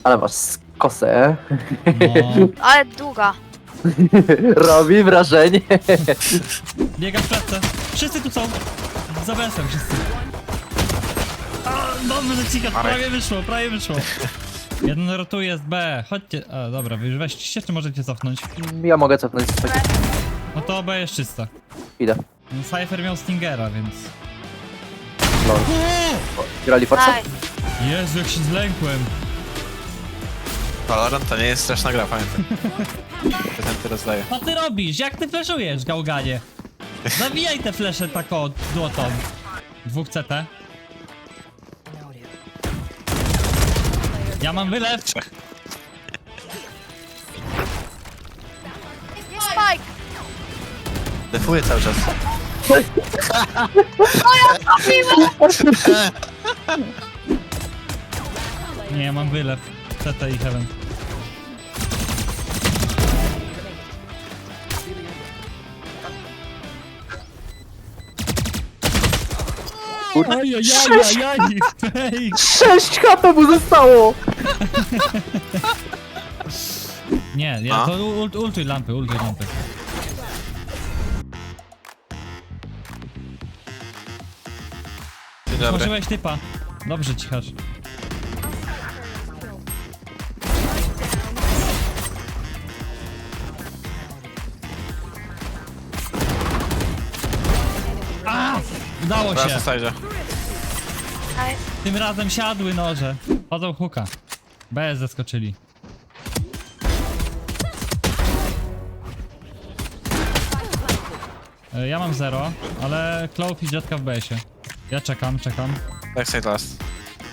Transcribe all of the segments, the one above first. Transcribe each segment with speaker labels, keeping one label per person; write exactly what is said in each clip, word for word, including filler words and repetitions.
Speaker 1: Ale masz kosę.
Speaker 2: No,
Speaker 3: Ale długa.
Speaker 1: Robi wrażenie.
Speaker 2: biega w klatce. Wszyscy tu są. Za besem wszyscy. A, dobrze, Cika, prawie wyszło, prawie wyszło. Jeden rotuje z B. Chodźcie. A, dobra, wy już weźcie, czy możecie cofnąć?
Speaker 1: Ja mogę cofnąć z takiego.
Speaker 2: No to B jest czysta.
Speaker 1: Idę.
Speaker 2: No, Cypher miał Stingera, więc...
Speaker 1: Lol. Grali Forza?
Speaker 3: Daj.
Speaker 2: Jezu, jak się zlękłem.
Speaker 4: Valorant to nie jest straszna gra, pamiętaj. Prezenty rozdaję.
Speaker 2: Co ty robisz? Jak ty fleszujesz, gałganie? Zabijaj te flesze tak o dłotą. Dwóch C T. Ja mam wylew.
Speaker 4: Trzech.
Speaker 3: Spike!
Speaker 4: Defuję cały czas.
Speaker 2: Nie, ja mam wylew. C T i Heaven. Ajajajajaj, fake!
Speaker 1: sześć H P mu zostało!
Speaker 2: Nie, ja
Speaker 4: A?
Speaker 2: to ult, ultuj lampy, ultuj lampy.
Speaker 4: Dzień dobry.
Speaker 2: Złożyłeś typa. Dobrze, cichasz. A! Udało
Speaker 4: Teraz
Speaker 2: się.
Speaker 4: na sajdzie.
Speaker 3: Daj.
Speaker 2: Tym razem siadły noże. Chodzą huka. B zeskoczyli. E, Ja mam zero, ale Clove i Jetka w B sie. Ja czekam, czekam.
Speaker 4: Backside last.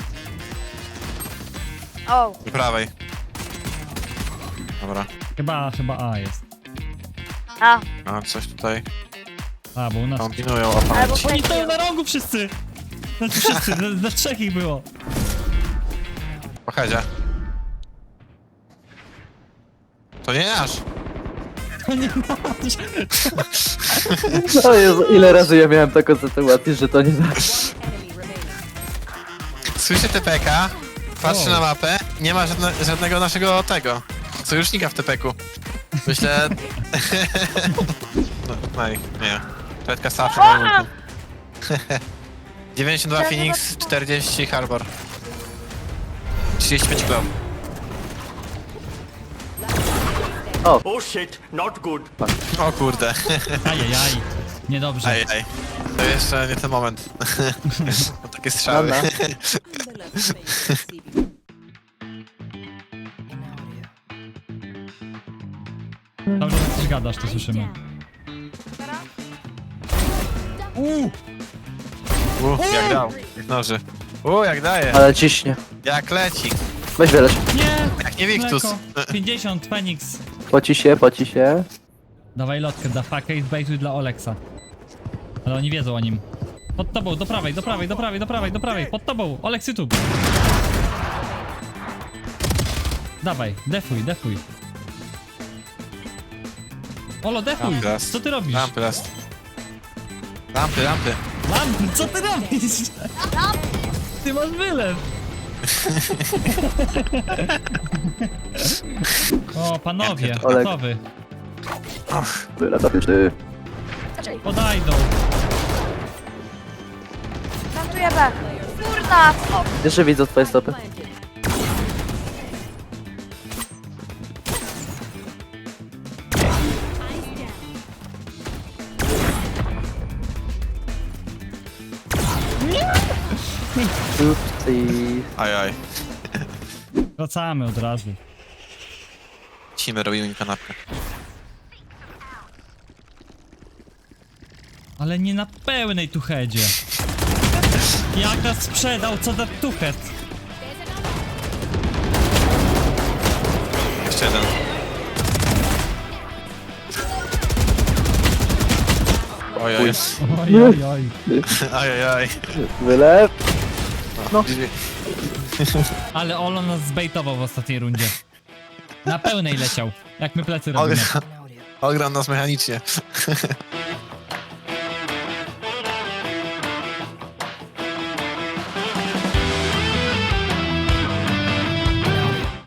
Speaker 3: O,
Speaker 4: I prawej. Dobra.
Speaker 2: Chyba, chyba A jest.
Speaker 3: a,
Speaker 4: A coś tutaj
Speaker 2: A, bo u nas...
Speaker 4: kombinują o
Speaker 3: albo
Speaker 4: pamięć.
Speaker 2: Oni stoją
Speaker 3: fake.
Speaker 2: na rogu wszyscy! Znaczy wszyscy, na, na trzech ich było.
Speaker 4: Po headzie. To nie nasz.
Speaker 2: To nie nasz.
Speaker 1: O Jezu, ile razy ja miałem taką sytuację, że to nie nasz.
Speaker 4: Słyszę T P K, patrzę
Speaker 2: O.
Speaker 4: na mapę, nie ma żadne, żadnego naszego tego sojusznika w T P Ku. Myślę... no, no i nie. Tetka Safra na ulti. dziewięćdziesiąt dwa Phoenix, czterdzieści Harbor. trzydzieści pięć Glow.
Speaker 5: Oh shit, not good.
Speaker 4: O kurde.
Speaker 2: Ajajaj. Niedobrze.
Speaker 4: Ej, ej. To jeszcze nie ten moment. Bo takie strzały.
Speaker 1: Dobra.
Speaker 2: Dobrze, że coś gadasz, to słyszymy. Uuu!
Speaker 4: U, jak dał. Jak noży. U, jak daje.
Speaker 1: Ale ciśnie.
Speaker 4: Jak leci.
Speaker 1: Weź wiele.
Speaker 2: Nie!
Speaker 4: Jak nie Victus.
Speaker 2: Mleko. pięćdziesiąt, Phoenix.
Speaker 1: Poci się, poci się.
Speaker 2: Dawaj lotkę, da fucka i zbejtuj dla Oleksa. Ale oni wiedzą o nim. Pod tobą, do prawej, do prawej, do prawej, do prawej, do prawej, pod tobą, Oleks YouTube. Dawaj, defuj, defuj. Olo, defuj!
Speaker 4: Lampy last.
Speaker 2: Co ty robisz?
Speaker 4: Lampy last. Lampy, lampy.
Speaker 2: Lampy, co ty robisz? Ty masz wylew. O, panowie,
Speaker 1: Olek.
Speaker 2: gotowy.
Speaker 1: Tyle to ty.
Speaker 2: Podajdą.
Speaker 3: Plantuję B. Kurna, o,
Speaker 1: Jeszcze widzę twoje stopy. Upsi.
Speaker 4: Aj, aj.
Speaker 2: Wracamy od razu.
Speaker 4: Cimy, robimy mi kanapkę.
Speaker 2: Ale nie na pełnej tuchedzie. Jak nas sprzedał, co za tuchet?
Speaker 4: Jeszcze jeden. Oj, oj.
Speaker 2: Oj, oj, oj.
Speaker 4: Aj, aj, aj.
Speaker 1: Wylew.
Speaker 4: No.
Speaker 2: Ale Olo nas zbejtował w ostatniej rundzie. Na pełnej leciał, jak my plecy robimy.
Speaker 4: Ogram nas mechanicznie.